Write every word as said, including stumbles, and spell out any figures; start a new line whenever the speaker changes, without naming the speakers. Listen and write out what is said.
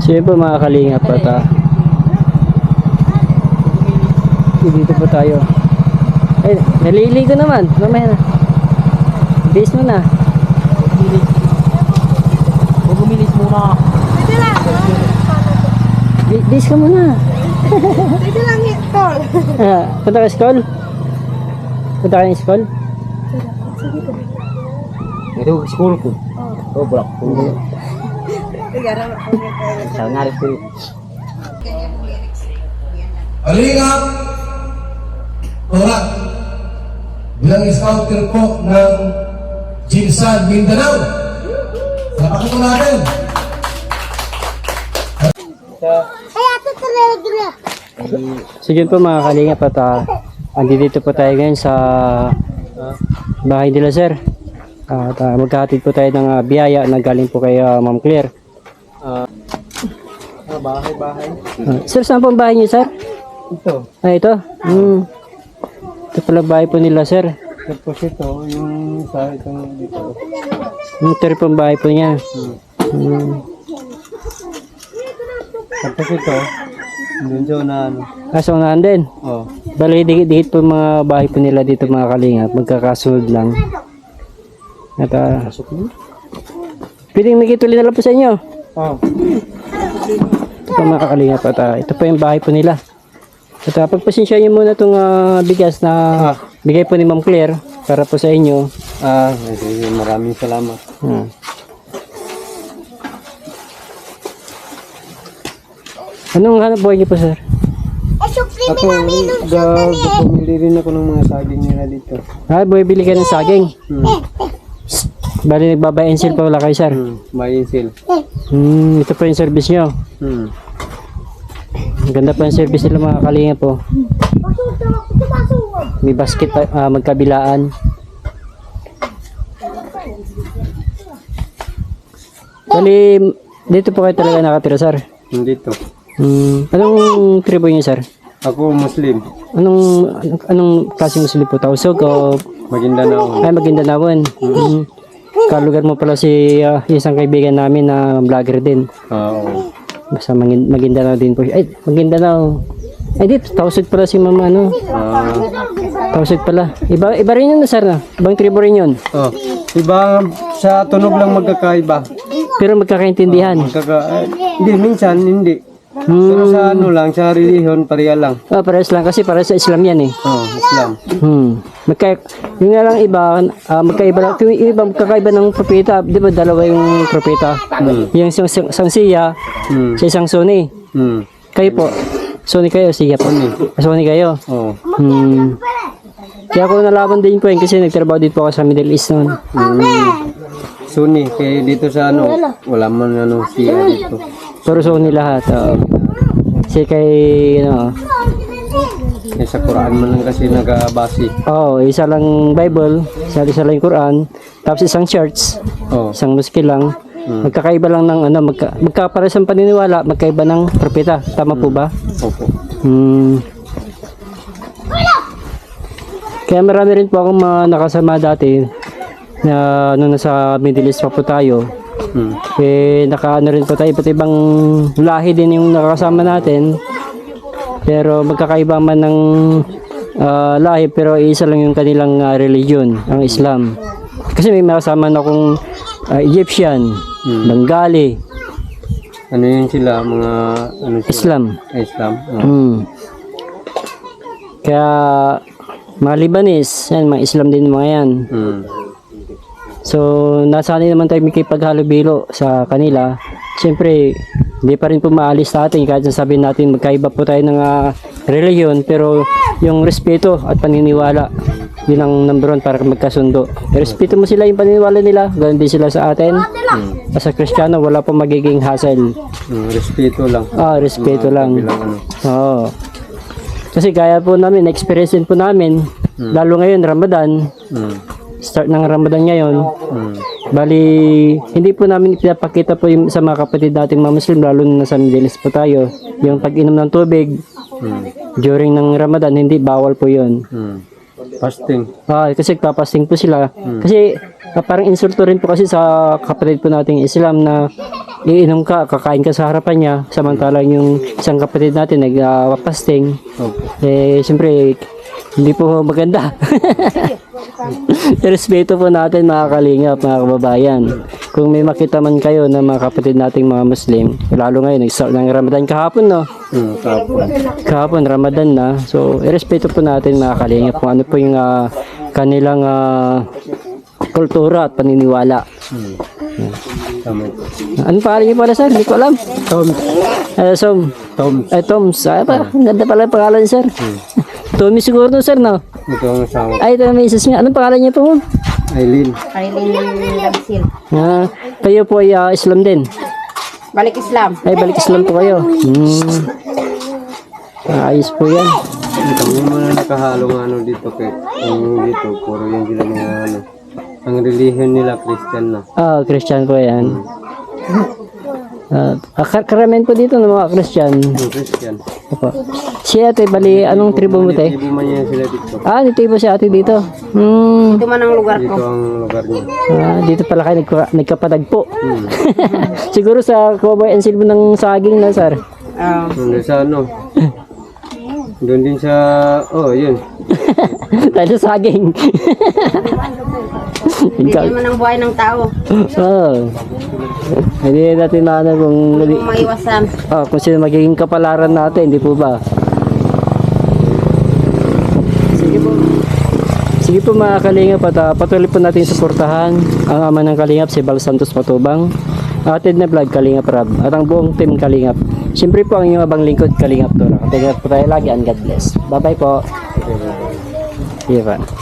So yun po mga kalingap at uh, dito po tayo. Ay, naliligo naman. Mamaya na. Base mo na.
Bumilis muna.
Pwede lang.
Bi- Base ka muna.
Pwede lang ito.
Ah, punta ka school? Punta ka ng school?
Ito, school ko. Oh, block ko. Sa ngarit ko.
Kalingap Torat bilang scouter po ng Jinsan Mindanao. Salamat po natin.
Ay, ito talaga.
Sige po mga kalingap at uh, andito po tayo ngayon sa uh, bahay nila sir. Uh, at uh, magkahatid po tayo ng uh, biyaya na galing po kay uh, Ma'am Claire.
Ah, bahay, bahay.
Uh, sir, saan po ang bahay niyo sir?
Ito.
Ah, ito? Hmm. Ito pala bahay po nila sir.
Tapos ito, yung sa itong dito.
Ito rin po ang bahay po niya. Hmm.
Tapos ito, doon dyan na ano.
Kaso unahan din.
Oh.
Bali, dikit po mga bahay po nila dito mga kalingap. Magkakasunod lang. At uh, pwedeng makituloy na lang po sa inyo.
Oh.
Ito po mga kalingap at uh, ito po yung bahay po nila. At uh, pagpasensya nyo muna itong uh, bigas na
Ah.
bigay po ni Ma'am Claire para po sa inyo.
Ah, sige, maraming salamat.
Hmm. Anong hanap buhay niyo po sir?
Eh, supreme
Ako,
namin nung
ga, pumili rin ako ng mga saging nila dito.
Ah, bumibili ka ng saging.
Hmm.
Bali nagbabayensil pa wala kayo sir.
Hmm. May insil.
Hmm, ito po yung service nyo.
Hmm.
Ang ganda pa yung service nila mga kalinga po. May basket pa, ah, magkabilaan. Bali, dito po kayo talaga nakatira sir.
Dito.
Hmm, anong tribo niyo sir?
Ako, Muslim.
Anong anong, anong klaseng Muslim po? Tausog o
Maguindanao.
ay Maguindanaon? Hmm. Kalugar mo pala si ah, isang kaibigan namin na vlogger din.
Oo.
Basta Magin- Maguindanao din po siya. Ay, Maguindanao. Ay, di, Tausog pala si mama, ano?
Ah.
Tausog pala. Iba, iba rin yun, sir, na? Ibang tribo rin yun.
Oh. Iba, sa tunog lang magkakaiba.
Pero magkakaintindihan.
Magkaka... Eh, hindi, minsan, hindi.
Hmm.
Pero sa ano lang, sa religion, pareha lang.
Oh, parehas lang kasi para sa Islam yan eh.
Oh, Islam.
Hmm. Magka, yung nga lang iba, ah, magkaiba lang. Yung iba magkakaiba ng propeta. Di ba dalawa yung propeta?
Hmm.
Yung isang, isang siya,
Hmm.
sa isang Sunni.
Hmm.
Kayo po. Sunni kayo, siya po. Ah, Sunni kayo.
Oh.
Hmm. Kaya ako nalaban din po yun kasi nagtrabaho din po ako sa Middle East noon.
Hmm. Sunni, kaya dito sa ano, wala man ano siya dito.
Puro Sunni lahat. Oh. Kasi kay, ano,
Eh, sa Quran man lang kasi nagabasi.
oh, isa lang Bible, isa, isa lang yung Quran, tapos isang church,
Oh.
isang mosque lang.
Hmm.
Magkakaiba lang ng ano, magka, magkapares ang paniniwala, magkaiba ng propeta. Tama po ba?
Opo.
Hmm. Kaya marami rin po akong mga nakasama dati na nung nasa Middle East pa po tayo.
Hmm.
Eh, nakaano rin po tayo, iba't ibang lahi din yung nakakasama natin. Pero magkakaiba man ng ah, lahi, pero isa lang yung kanilang ah, religion, ang Islam. Kasi may makasama na akong ah, Egyptian, Bengali,
Ano yun sila, mga ano sila?
Islam.
Ah, Islam. Oh.
Hmm. Kaya mga Lebanese, yan, mga Islam din mga yan.
Hmm.
So, nasanay naman tayo makipaghalubilo sa kanila. Siyempre, hindi pa rin po maalis sa atin kahit sabihin natin magkaiba po tayo ng ah, reliyon, pero yung respeto at paniniwala, yun ang number one para magkasundo. Respeto mo sila yung paniniwala nila, ganun din sila sa atin.
Hmm.
Sa Kristiyano, wala pa magiging hassle.
Hmm. Respeto lang.
Ah, respeto lang.
Bilang ano.
Oo. Kasi kaya po namin, experience din po namin, lalo ngayon, Ramadan,
Hmm.
start ng Ramadan ngayon.
Hmm.
Bali, hindi po namin pinapakita po yung, sa mga kapatid nating mga Muslim, lalo na sa Middle East po tayo, yung pag-inom ng tubig
Hmm.
during ng Ramadan, hindi, bawal po yun.
Hmm. Fasting.
Ah, kasi papasting po sila. Kasi ah, parang insulto rin po kasi sa kapatid po nating Islam na iinom ka, kakain ka sa harapan niya, samantalang yung isang kapatid natin nagpapasting,
Opo.
eh, siyempre, hindi po maganda. Respeto po natin mga kalingap, mga kababayan. Kung may makita man kayo na mga kapatid nating mga Muslim, lalo ngayon, nag-start ng Ramadan kahapon, no?
Hmm, tapos.
Kahapon, Ramadan na. So, irespeto po natin mga kalingap kung ano po yung ah, kanilang ah, kultura at paniniwala.
Hmm. Tama po.
Ano pangalan niyo pala, sir? Hindi ko alam.
Tom.
Eh, so,
Tom.
eh, Toms. Ay, pa, ang ganda pala yung pangalan, sir. Tommy siguro to, sir, no?
Ito ang asawa.
Ay, ito yung misis niya. Anong pangalan niya po?
Aileen.
Aileen Labsil.
Ah, kayo po ay ah, Islam din.
Balik Islam.
Ay, balik Islam po kayo. Hmm. Ah, ayos po yan.
Kami muna nakahalong ano dito kay ang dito puro yung sila mga ano. Ang relihiyon nila Christian na.
Ah, Christian po yan. Ah, kar- karamihan po dito ng mga Christian.
Yung Christian.
Opo. Si ate, bali, anong tribo mo, te?
Ibo man yan sila dito.
Ah, dito po si ate dito. Hmm.
Ito man ang lugar
Dito
ko.
ang lugar niya.
Ah, dito pala kayo nagka- nagkapadagpo. Siguro sa Cowboy and Silbo ng saging na, sir.
Ah,
Doon sa ano. Doon din sa oh, yun.
Dahil sa saging.
hindi naman ang buhay ng tao.
Oo. Hindi natin maano kung,
Kung maiwasan.
ah, kung sino magiging kapalaran natin, di po ba? Sige po. Sige po mga kalingap at ah, patuloy po natin suportahan ang ama ng kalingap si Bal Santos Matubang, atid na vlog Kalingap Rab at ang buong team Kalingap. Siyempre po ang inyong abang lingkod Kalingap Tora. Katingap po tayo lagi and God bless. Bye bye po. Ivan.